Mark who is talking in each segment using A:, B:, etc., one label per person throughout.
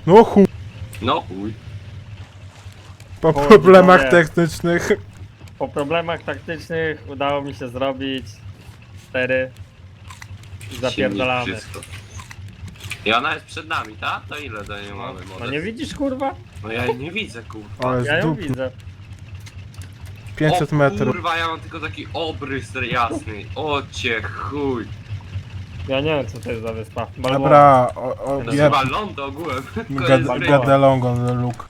A: No chuj.
B: No chuj.
A: Po
C: Chuj,
A: problemach
C: widzowie.
A: technicznych.
C: Po problemach taktycznych udało mi się zrobić 4 i zapierdalamy.
B: Silnik, wszystko. I ona jest przed nami, tak? To ile do niej mamy
C: No
B: model?
C: nie widzisz kurwa?
B: No ja jej nie widzę, kurwa.
A: Ale
C: Ja
A: jest
C: ją
A: dup.
C: widzę.
A: 500 metrów.
B: Kurwa, ja mam tylko taki obrys jasny. O cię chuj.
C: Ja nie wiem co to jest za wyspa. Balboa.
A: Dobra,
B: To jest
A: jeb.
B: chyba ląd ogółem. Koniec gry.
A: Gadelongon, Luke.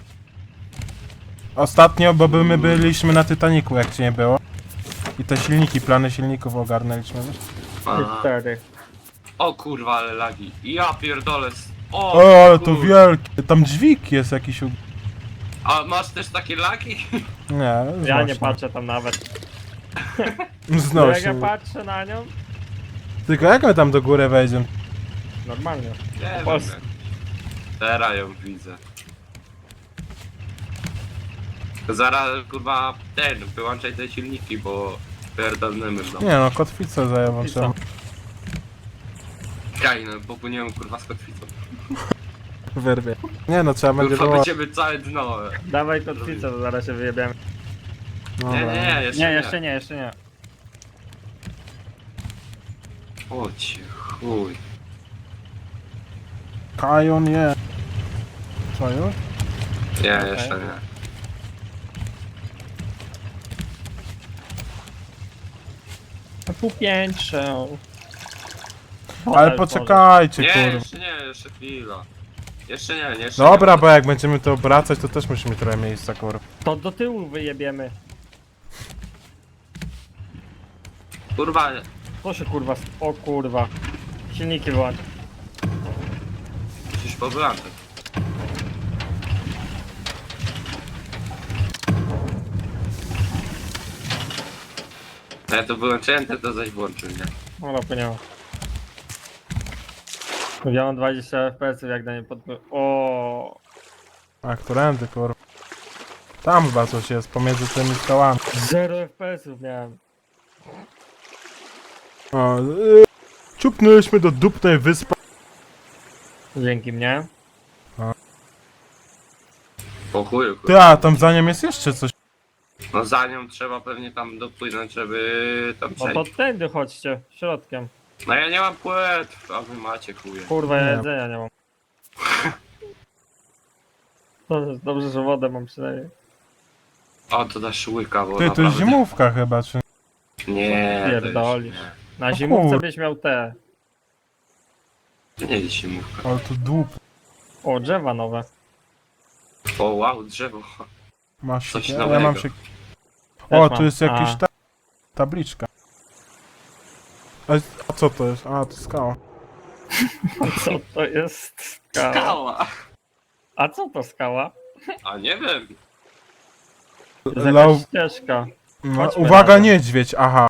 A: Ostatnio, bo my byliśmy na Titanicu, jak cię nie było. I te silniki, plany silników ogarnęliśmy, wiesz?
B: Aha.
C: 4.
B: O kurwa, ale lagi. Ja pierdolę.
A: O, ale to
B: kur-
A: wielkie. Tam dźwig jest jakiś.
B: A masz też takie lagi?
A: Nie,
C: Ja nie
A: znośnie.
C: patrzę tam nawet. Jak
A: Znośnie.
C: ja patrzę na nią,
A: Tylko jak my tam do góry wejdziemy?
C: normalnie.
B: Nie wiem.
C: Polsce.
B: jak. Teraz ją widzę. Zaraz kurwa wyłączaj te silniki, bo pierdolnymy w domu.
A: Nie no, kotwicę zajęłam.
C: I co?
B: Kaj, no popłyniemy kurwa z kotwicą.
A: Wyrwie. Nie no, trzeba będzie
B: Kurwa
A: było...
B: będziemy całe dno.
C: Dawaj kotwicę, to zaraz się wyjebiemy.
A: No,
B: Nie, nie, jeszcze
C: Nie,
B: nie.
C: jeszcze nie, jeszcze nie.
B: O cię chuj.
A: Kajon nie. Co już?
B: Nie,
C: Okej.
B: jeszcze nie.
C: Na półpiętrze.
A: Ale poczekajcie,
B: Nie,
A: kurwa.
B: jeszcze nie, jeszcze chwila. Jeszcze nie, jeszcze
A: Dobra,
B: nie.
A: bo jak będziemy to obracać, to też musimy trochę miejsca, kurwa.
C: To do tyłu wyjebiemy.
B: Kurwa,
C: To się kurwa... O kurwa. Silniki wyłącz.
B: musisz powyłączać. Ja to wyłączyłem, ty to zaś włączył, nie?
C: No płynęło. Ja mam 20 FPS jak na nie O.
A: A, którędy, kurwa? Tam chyba coś jest, pomiędzy tymi skałami.
C: 0 FPS-ów miałem.
A: O, ciupnęliśmy do dupnej wyspy.
C: Dzięki mnie.
B: Po chuju, kurwa.
A: Ty, a tam za nią jest jeszcze coś.
B: No za nią trzeba pewnie tam dopłynąć, żeby tam
C: No to
B: przejść.
C: tędy chodźcie, środkiem.
B: No ja nie mam płetw, a wy macie chuje.
C: Kurwa, ja
A: Nie.
C: jedzenia nie mam. Dobrze, że wodę mam przynajmniej.
B: O, to dasz łyka, bo
A: Ty, to jest
B: naprawdę...
A: zimówka chyba, czy...
B: Nie, to
C: Pierdolisz.
B: już
C: Na
A: O
C: zimówce
A: kur-
C: byś miał te.
B: nie. To nie jest zimówka.
A: Ale to dup.
C: O, drzewa nowe.
B: O, wow, drzewo.
A: Masz
B: Coś
A: się... Ja
B: nowego.
A: mam się...
C: Też
A: O,
C: mam.
A: tu jest jakiś
C: A.
A: tabliczka. A co to jest? A, to skała.
C: Co to jest skała?
B: Skała!
C: A co to skała?
B: A nie wiem.
C: To jest
A: Low...
C: jakaś ścieżka.
A: No,
C: Chodźmy
A: uwaga,
C: razem.
A: niedźwiedź, aha.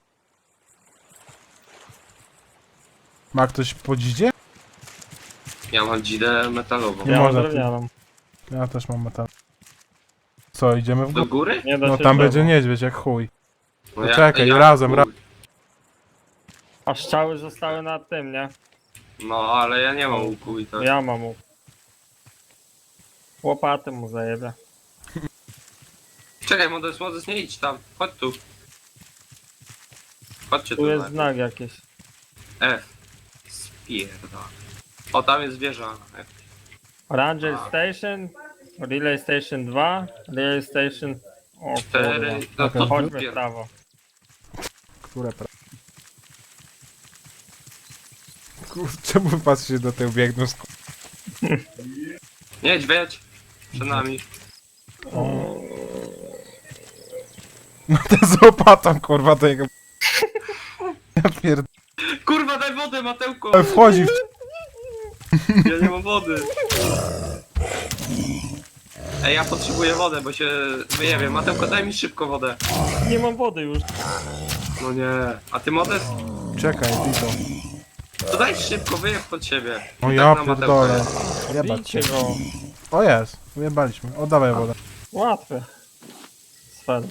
A: Ma ktoś podzidzie?
B: Ja mam dzidę metalową.
A: Nie
C: Ja mam
A: można tu.
C: drewnianą.
A: Ja też mam metal. Co, idziemy w
B: Do
A: górę?
B: góry?
C: Nie da
A: No
C: się
A: tam
C: drzewo.
A: będzie niedźwiedź, jak chuj.
B: No
A: Czekaj, razem,
B: chuj.
C: A strzały zostały na tym, nie?
B: No, ale ja nie mam łuku i tak.
C: Ja mam mu. Łopaty mu zajebę.
B: Czekaj, Moses, nie idź tam. Chodź tu. Chodźcie tu.
C: Tu jest
B: najpierw.
C: znak jakiś.
B: F. Spierda. O, tam jest wieża. F.
C: Ranger Station, Relay Station 2, Relay Station... O
B: 4.
C: kurwa.
B: No to
C: Chodźmy w
B: pier...
C: prawo.
A: Które Czemu patrzycie do tyłu biegną z...
B: Niedźwiedź. Przed nami.
A: No ten z łopatą, kurwa, do jego... Ja pierd...
B: Kurwa, daj wodę, Matełko!
A: Wchodzi w...
B: Ja nie mam wody. Ej, ja potrzebuję wodę, bo się wyjebię. Matełko, daj mi szybko wodę.
C: Nie mam wody już.
B: No nie. A ty Moses?
A: Czekaj, Tito.
B: To daj szybko, wyjeb pod siebie.
A: O
B: I
A: ja
B: tak na Matełka
A: pierdolę.
B: jest.
A: Jebać
C: Bijcie
A: cię.
C: go.
A: O jest, ujebaliśmy. O, dawaj wodę.
C: Łatwe. Sfer.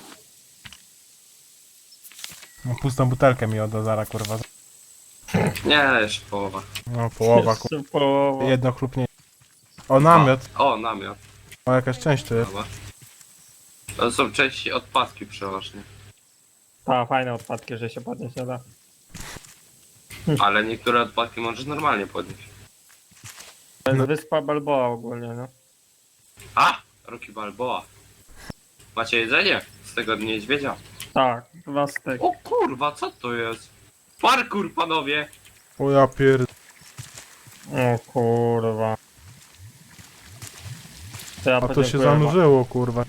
A: No, pustą butelkę mi odda zara, kurwa.
B: Nie, jeszcze połowa.
A: No, połowa, kurwa.
C: Jeszcze połowa.
A: Jedno chlupnie. O, namiot.
B: O, namiot.
A: O, jakaś część tu jest.
B: Dobra. To są części odpadki przeważnie.
C: Ta, fajne odpadki, że się podnieść nie da.
B: Ale niektóre odpadki możesz normalnie podnieść.
C: To jest
A: No.
C: wyspa Balboa ogólnie, no.
B: A! Rocky Balboa. Macie jedzenie? Z tego niedźwiedzia.
C: Tak, 2 styki.
B: O kurwa, co to jest? Parkour, panowie!
A: O, ja pierd...
C: O kurwa. To ja
A: A to się
C: podziękuję,
A: zanurzyło, kurwa.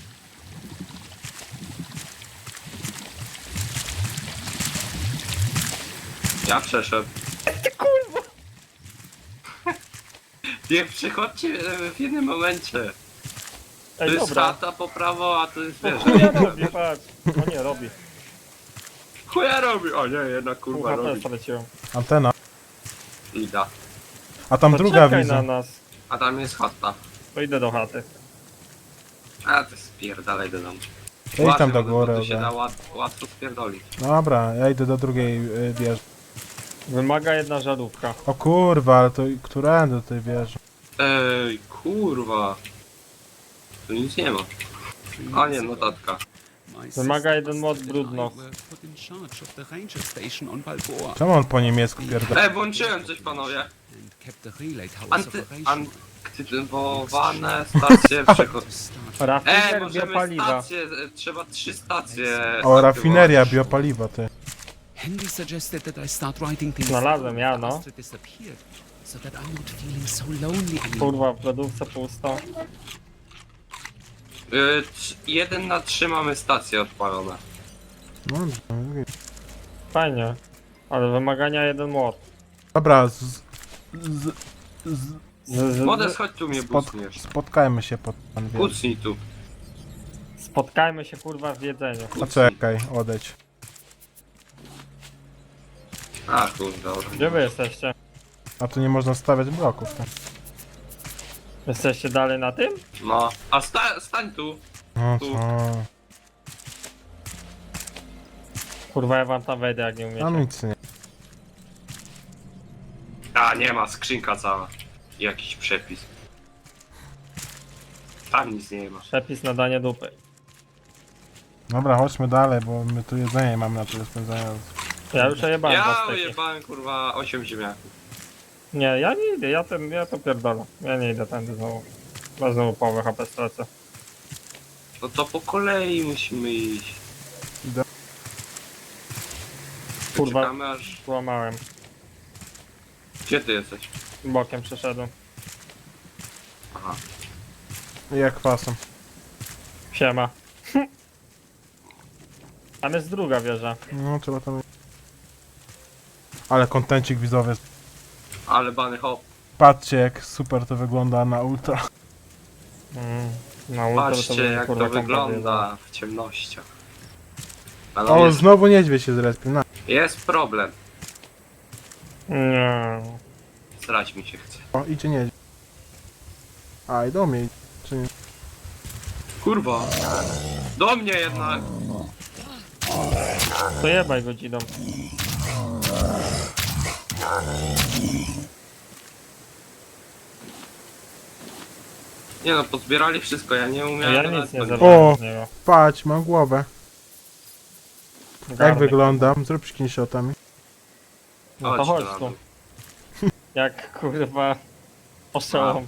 B: Ja przeszedłem. Kurwa! Nie przychodźcie w jednym momencie. To
C: Ej,
B: jest
C: dobra.
B: chata po prawo, a to jest
C: O
B: wieża.
C: chuja robi, patrz. O nie, robi.
B: Chuja robi! O nie, jednak
C: Pół
B: kurwa
C: HP
B: robi.
C: straciłem.
A: Antena.
B: Ida.
A: A tam
C: To
A: druga
C: czekaj
A: widzę.
C: na nas.
B: A tam jest chata.
C: To idę do chaty.
B: A ty spierdalaj do domu.
A: Ja tam do
B: bo
A: góry.
B: Tu się
A: obe.
B: da łatwo spierdolić.
A: Dobra, ja idę do drugiej wieży.
C: Wymaga jedna żarówka.
A: O kurwa, ale to którędy do tej wieży?
B: Ej, kurwa. Tu nic nie ma. A nie, notatka.
C: Wymaga jeden mod brudno.
A: Czemu on po niemiecku pierdolę?
B: Włączyłem coś, panowie. Aktywowane stacje przychodzą.
C: Rafiner
B: Możemy
C: biopaliwa.
B: stacje, trzeba 3 stacje.
A: O, rafineria,
B: aktywować.
A: biopaliwa, ty.
D: Henry suggested that I start writing things
C: Znalazłem,
D: down
C: ja,
D: after
C: no.
D: Astrid disappeared, so that I'm not feeling so lonely anymore.
C: Kurwa, w lodówce pusto.
B: 1 na 3 mamy stacje odpalone.
A: No,
C: Fajnie. Ale wymagania jeden mod.
A: dobra,
B: Modes, chodź tu mnie
A: spot,
B: bucniesz.
A: spotkajmy się pod pan wie.
B: Bucnij tu.
C: Spotkajmy się kurwa w jedzeniu.
A: A czekaj, odejdź.
B: A kurde, dobra.
C: Gdzie wy jesteście?
A: A tu nie można stawiać bloków. Tak?
C: Jesteście dalej na tym?
B: No, a stań tu.
A: No
B: Tu.
A: co?
C: Kurwa, ja wam tam wejdę jak nie
A: Tam
C: umiecie.
A: nic nie.
B: A, nie ma, skrzynka cała. Jakiś przepis. Tam nic nie ma.
C: Przepis na danie dupy.
A: Dobra, chodźmy dalej, bo my tu jedzenie mamy na tyle spędzania.
C: Ja już jebałem dwa
B: Ja
C: styki.
B: ujebałem kurwa 8 ziemniaków.
C: Nie, ja nie idę, ja to pierdolę. Ja nie idę tędy znowu. Bo znowu połowę HP stracę.
B: No to po kolei musimy iść.
C: Kurwa.
B: Czekamy aż...
C: Złamałem.
B: Gdzie ty jesteś?
C: Bokiem przeszedłem.
B: Aha.
A: I jak kwasem.
C: Siema. Tam jest druga wieża.
A: No, trzeba tam... Ale kontencik widzowie.
B: Ale bany hop.
A: Patrzcie jak super to wygląda na ultra.
C: Na ultra
B: Patrzcie
C: bym,
B: jak
C: kurwa,
B: to
C: kompa
B: wygląda w ciemnościach. Ale
A: O,
B: jest,
A: znowu niedźwiedź się zrespił. Na.
B: jest problem.
C: Nie.
B: Srać mi się chce.
A: O, idzie niedźwiedź. A, i do mnie. Czy nie?
B: Kurwa. Do mnie jednak.
C: To jebaj godziną.
B: Nie no, pozbierali wszystko, ja nie umiałem.
C: Ja
B: nawet
C: nic nie
B: tego-
C: zabrałem z niego.
A: Patrz, mam głowę. Jak
C: Garnek.
A: wyglądam? Zrób screenshotami.
C: No to
B: Chodź
C: chodź
B: na
C: tu.
B: dół.
C: Jak kurwa ostrzełom.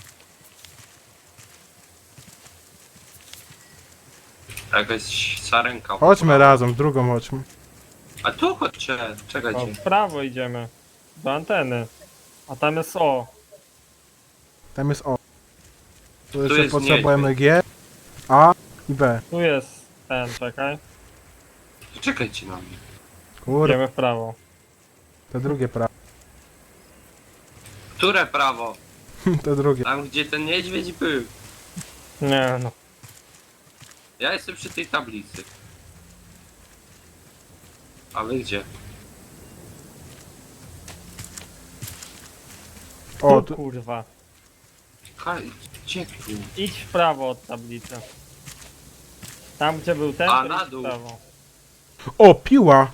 B: Jakaś sarenka.
A: Chodźmy razem, w drugą chodźmy.
B: A tu chodźcie,
C: O,
B: czekajcie.
C: w prawo idziemy. Do anteny. A tam jest O.
A: Tam jest O. Tu jeszcze
B: jest
A: potrzebujemy G, A i B.
C: Tu jest ten, czekaj.
B: Czekajcie na mnie.
A: Kurde,
C: Idziemy w prawo.
A: te drugie prawo.
B: Które prawo?
A: Te drugie.
B: Tam gdzie ten niedźwiedź był.
C: Nie no.
B: Ja jestem przy tej tablicy. A wy gdzie?
A: O,
C: Tu
A: tu,
C: kurwa.
B: Gdzie tu?
C: Idź w prawo od tablicy. Tam gdzie był ten,
B: A,
C: to
B: na
C: idź w
B: dół.
C: prawo.
A: o, piła!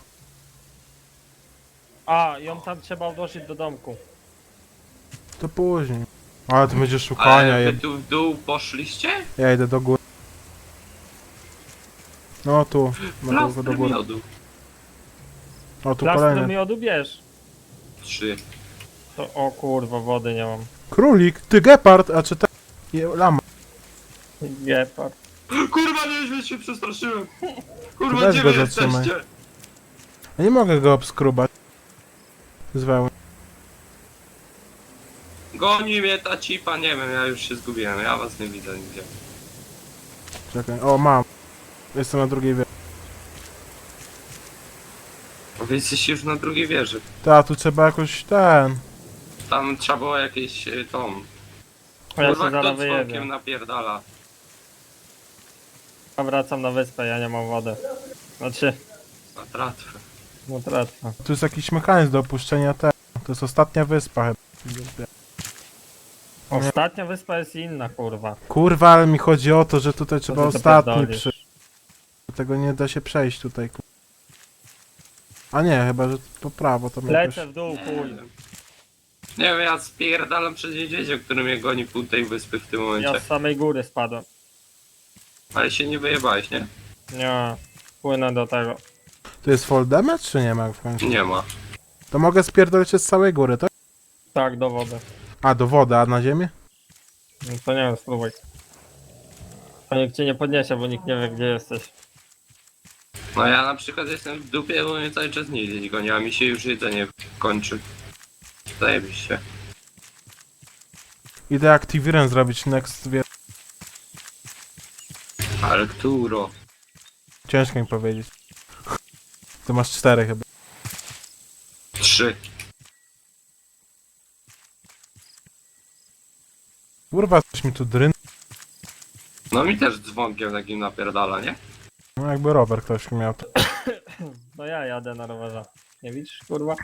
C: A, ją tam trzeba odłożyć do domku.
A: To później. Ale ty będziesz szukania,
B: Ale wy tu w dół poszliście?
A: ja idę do góry. No tu, no do
B: Plastry
A: góry.
B: miodu.
A: O tu
C: Plastry
A: kolejny.
C: miodu bierz.
B: 3.
C: To, o kurwa, wody nie mam.
A: Królik, ty gepard, a czy te... Lama.
C: Gepard.
B: Kurwa, niedźwiedź się przestraszyłem. Kurwa,
A: Weź
B: gdzie
A: go
B: wy
A: zatrzymaj.
B: jesteście?
A: Ja nie mogę go obskrubać. Z wełny.
B: Goni mnie ta cipa, nie wiem, ja już się zgubiłem, ja was nie widzę nigdzie.
A: Czekaj, o mam. Jestem na drugiej wieży.
B: Wy jesteście już na drugiej wieży.
A: Ta, tu trzeba jakoś ten...
B: Tam trzeba było jakieś tą...
C: A ja się
B: Kurwa,
C: zaraz
B: kto
C: wyjebię.
B: dzwonkiem napierdala.
C: Ja wracam na wyspę, ja nie mam wody. Znaczy,
B: Na tratwę.
C: no tratwa.
A: Tu jest jakiś mechanizm do opuszczenia te... To jest ostatnia wyspa chyba.
C: Ostatnia wyspa jest inna, kurwa.
A: Kurwa, ale mi chodzi o to, że tutaj trzeba
C: Co ty to
A: ostatni
C: pierdolisz?
A: Tego nie da się przejść tutaj. A nie, chyba, że po prawo tam jakoś...
C: Lecę w dół, chuj.
B: Nie wiem, ja spierdalam przed niedźwiedziem, który mnie goni pół tej wyspy w tym momencie.
C: Ja z samej góry spadłem.
B: Ale się nie wyjebałeś, nie?
C: Nie, płynę do tego.
A: Tu jest fall damage, czy nie ma w końcu?
B: Nie ma.
A: To mogę spierdolić się z całej góry, tak?
C: Tak, do wody.
A: A, do wody, a na ziemię?
C: No to nie wiem, spróbuj. To nikt cię nie podniesie, bo nikt nie wie, gdzie jesteś.
B: No ja na przykład jestem w dupie, bo mnie cały czas niedźwiedź goni, a mi się już jedzenie kończy. Zajebiście.
A: Idę Activirem zrobić next, wie...
B: Ale któro?
A: Ciężko mi powiedzieć. Tu masz 4 chyba.
B: 3.
A: Kurwa, coś mi tu dryn...
B: No mi też dzwonkiem takim napierdala, nie?
A: No jakby rower ktoś miał. To...
C: No ja jadę na rowerze. Nie widzisz, kurwa?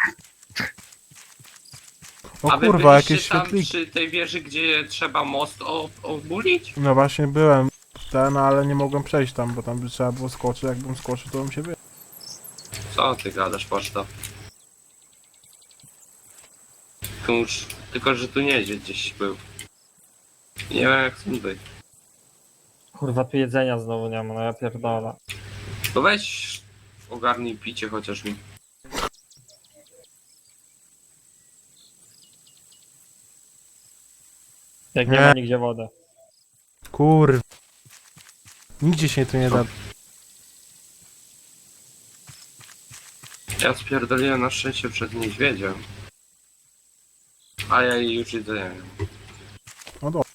A: O
B: A wy
A: kurwa,
B: byliście
A: jakieś
B: tam
A: świetliki.
B: przy tej wieży, gdzie trzeba most obulić?
A: No właśnie byłem ten, ale nie mogłem przejść tam, bo tam by trzeba było skoczyć. Jakbym skoczył, to bym się wyjechał.
B: Co ty gadasz, poczta? Kurz, tylko że tu niedźwiedź gdzieś był. Nie wiem jak stąd być.
C: Kurwa, tu jedzenia znowu nie ma, no ja pierdolę.
B: To weź ogarnij picie chociaż mi.
C: Jak nie
A: Nie.
C: ma nigdzie wody.
A: Kurwa. Nigdzie się tu nie da.
B: Ja spierdoliłem na szczęście przed niedźwiedziem. A ja jej już jedzenia nie mam.
A: No dobra.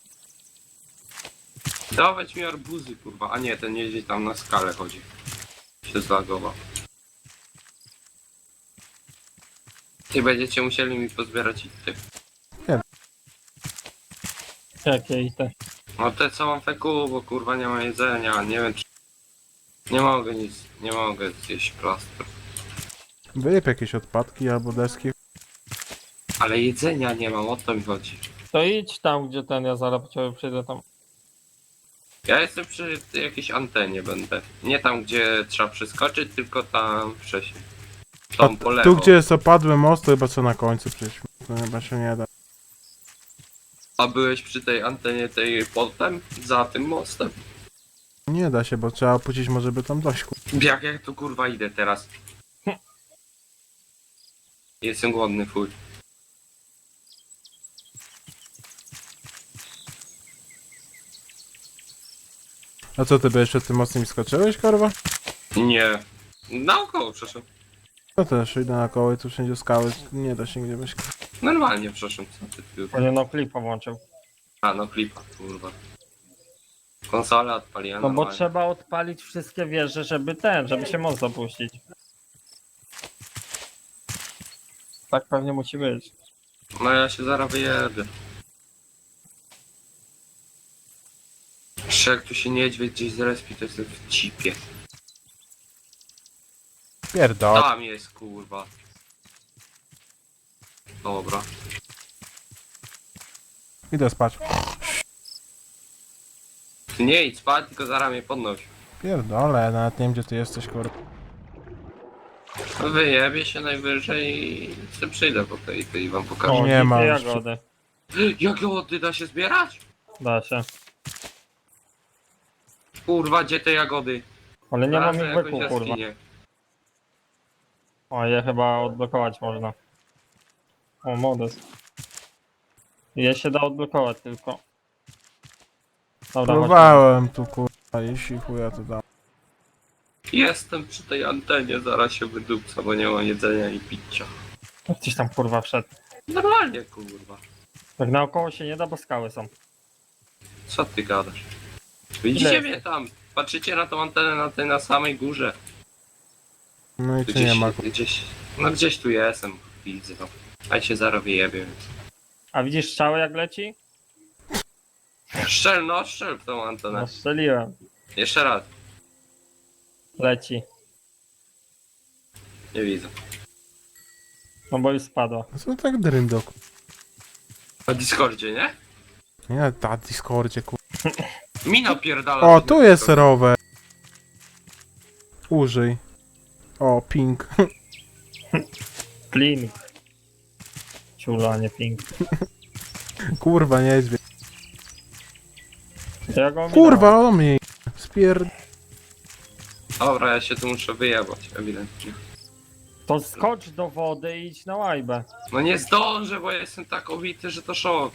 B: Dawać mi arbuzy, kurwa. A nie, ten niedźwiedź tam na skalę chodzi. Się zlagował. Ty będziecie musieli mi pozbierać ity.
C: Jakie i te.
B: No te co mam feku, bo kurwa nie ma jedzenia. Nie wiem czy... Nie mogę nic, nie mogę zjeść plastru.
A: Wyjeb jakieś odpadki albo deski.
B: Ale jedzenia nie mam, o to mi chodzi.
C: To idź tam, gdzie ten, ja zaraz po ciebie przyjdę tam.
B: Ja jestem przy jakiejś antenie będę. Nie tam gdzie trzeba przeskoczyć, tylko tam wcześniej.
A: A
B: Tą po lewo.
A: tu gdzie jest opadły most, to chyba co na końcu przejść. To chyba się nie da.
B: A byłeś przy tej antenie tej potem? Za tym mostem?
A: Nie da się, bo trzeba opuścić może by tam dojść.
B: Jak tu kurwa idę teraz? Jestem głodny, fuj.
A: A co ty byłeś przed tym mostem i skoczyłeś, kurwa?
B: Nie. Naokoło przeszedł.
A: No też idę na koło i tu wszędzie skały. Nie da się nigdzie być.
B: Normalnie przeszedł. Co ty tu?
C: Nie no, klipa włączył.
B: A no klipa, kurwa. Konsolę odpaliłem
C: No bo
B: normalnie.
C: trzeba odpalić wszystkie wieże, żeby się most zapuścić. Tak pewnie musi być.
B: No ja się zaraz wyjedę. Jeszcze jak tu się niedźwiedź gdzieś zrespi, to jestem w cipie.
A: Pierdol.
B: Tam jest, kurwa. Dobra.
A: Idę spać.
B: Ty nie idź spać, tylko zaraz mnie podnoś.
A: Pierdolę, nawet nie wiem gdzie ty jesteś, kurwa.
B: Wyjebie się najwyżej i sobie przyjdę po tej i wam pokażę.
C: O,
A: Nie ma
C: dzikie
A: już.
C: jagody.
B: Jak jagody da się zbierać?
C: Da się.
B: Kurwa, gdzie te jagody?
C: Ale nie mam
B: Znalazłem
C: ich
B: jakąś
C: wykuł, kurwa.
B: jaskinię.
C: O, je chyba odblokować można. O, modus. Je się da odblokować tylko. Dobra, chodźmy.
A: Próbowałem tu kurwa, jeśli chuja to dam.
B: Jestem przy tej antenie, zaraz się wydupca, bo nie mam jedzenia i picia.
C: Gdzieś tam kurwa wszedł.
B: Normalnie, kurwa.
C: Tak naokoło się nie da, bo skały są.
B: Co ty gadasz? Widzicie
C: Ile?
B: mnie tam? Patrzycie na tą antenę na tej na samej górze.
A: No i czy
B: Gdzieś,
A: nie ma
B: no gdzieś tu jestem, widzę to. A się zaraz wyjebie, więc...
C: A widzisz strzały jak leci?
B: Strzel w tą antenę.
C: No strzeliłem.
B: Jeszcze raz,
C: Leci.
B: nie widzę.
C: No bo już spadła.
A: Co tak dryndok?
B: Na Discordzie, nie?
A: Nie, na Discordzie kurwa.
B: Mina pierdala.
A: O, tu jest rower. Użyj. O, ping.
C: Plink. Ciula, nie pink.
A: Kurwa, niedźwiedź.
C: To ja go ominąłem.
A: Kurwa, o mnie. Spierd...
B: Dobra, ja się tu muszę wyjebać, ewidentnie.
C: To skocz do wody i idź na łajbę.
B: No nie zdążę, bo ja jestem tak obity, że to szok.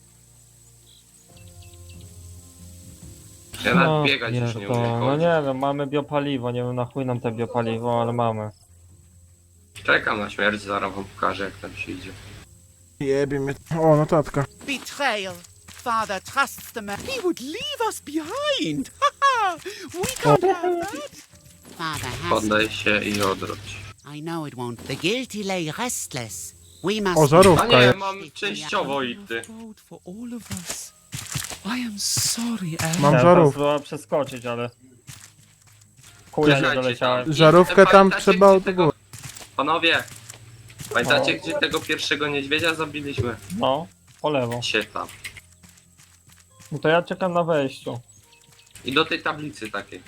B: Ja nawet biegać już nie umiem.
C: No nie wiem, mamy biopaliwo, nie wiem na chuj nam te biopaliwo, ale mamy.
B: Czekam na śmierć, zaraz wam pokażę jak tam się idzie.
A: Jebie mnie. O, notatka.
E: Betrayal. Father trusts the man. He would leave us behind. Ha We can't have that. Father has.
B: Poddaj się i odwróć.
E: I know it won't. The guilty lay restless. We must.
A: O,
B: A
A: żarówka
B: nie,
A: jest.
B: mam częściowo i ty.
D: Road for all of us. I am sorry, Anne.
A: Mam
C: Ja
A: żarówkę.
C: próbowałem przeskoczyć, ale... Chuja nie
B: Czekajcie
C: doleciałem.
B: tam.
A: Żarówkę tam
B: Pamiętacie,
A: trzeba
B: gdzie
A: od
B: tego-
A: góry.
B: Panowie, pamiętacie
C: O.
B: gdzie tego pierwszego niedźwiedzia zabiliśmy?
C: No, po lewo.
B: Się tam.
C: No to ja czekam na wejściu.
B: I do tej tablicy takiej.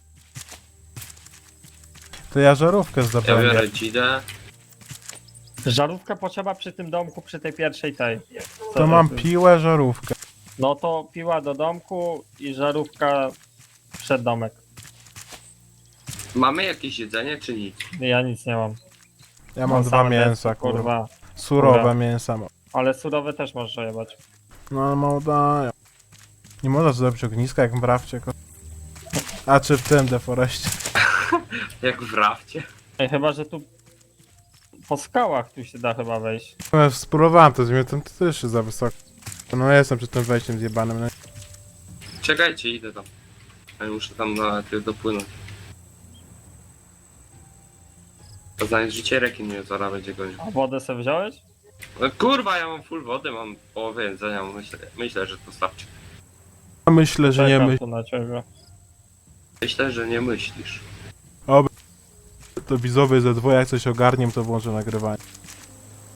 A: To ja żarówkę
B: Ja
A: zdobędę.
B: biorę dzidę.
C: Żarówkę potrzeba przy tym domku, przy tej pierwszej tej. Co
A: To mam
C: jest?
A: piłę, żarówkę.
C: No to piła do domku i żarówka przed domek.
B: Mamy jakieś jedzenie czy nic?
C: Ja nic nie mam.
A: Ja mam dwa
C: same
A: mięsa,
C: mięso,
A: kurwa. Surowe
C: Dobra.
A: mięsa mam.
C: Ale surowe też możesz jebać.
A: No ale mało dają. Nie można zrobić ogniska jak w Rafcie. A czy w tym deforeście.
B: Jak w rafcie.
C: Ej, chyba, że tu po skałach tu się da chyba wejść.
A: No, spróbowałem to, zmienię, to też jest za wysoko. No ja jestem przed tym wejściem zjebanym. No.
B: Czekajcie, idę tam. Ja muszę tam na ty dopłynąć. To zanim życie rekin mnie zaraz będzie gonił.
C: A wodę sobie wziąłeś?
B: No kurwa, ja mam full wody, mam połowę jedzenia, myślę, że to starczy.
A: Myślę, że nie
C: Czekam
A: myśl.
C: tu na ciebie.
B: Myślę, że nie myślisz.
A: To widzowie ze dwoje jak coś ogarniem, to włączę nagrywanie.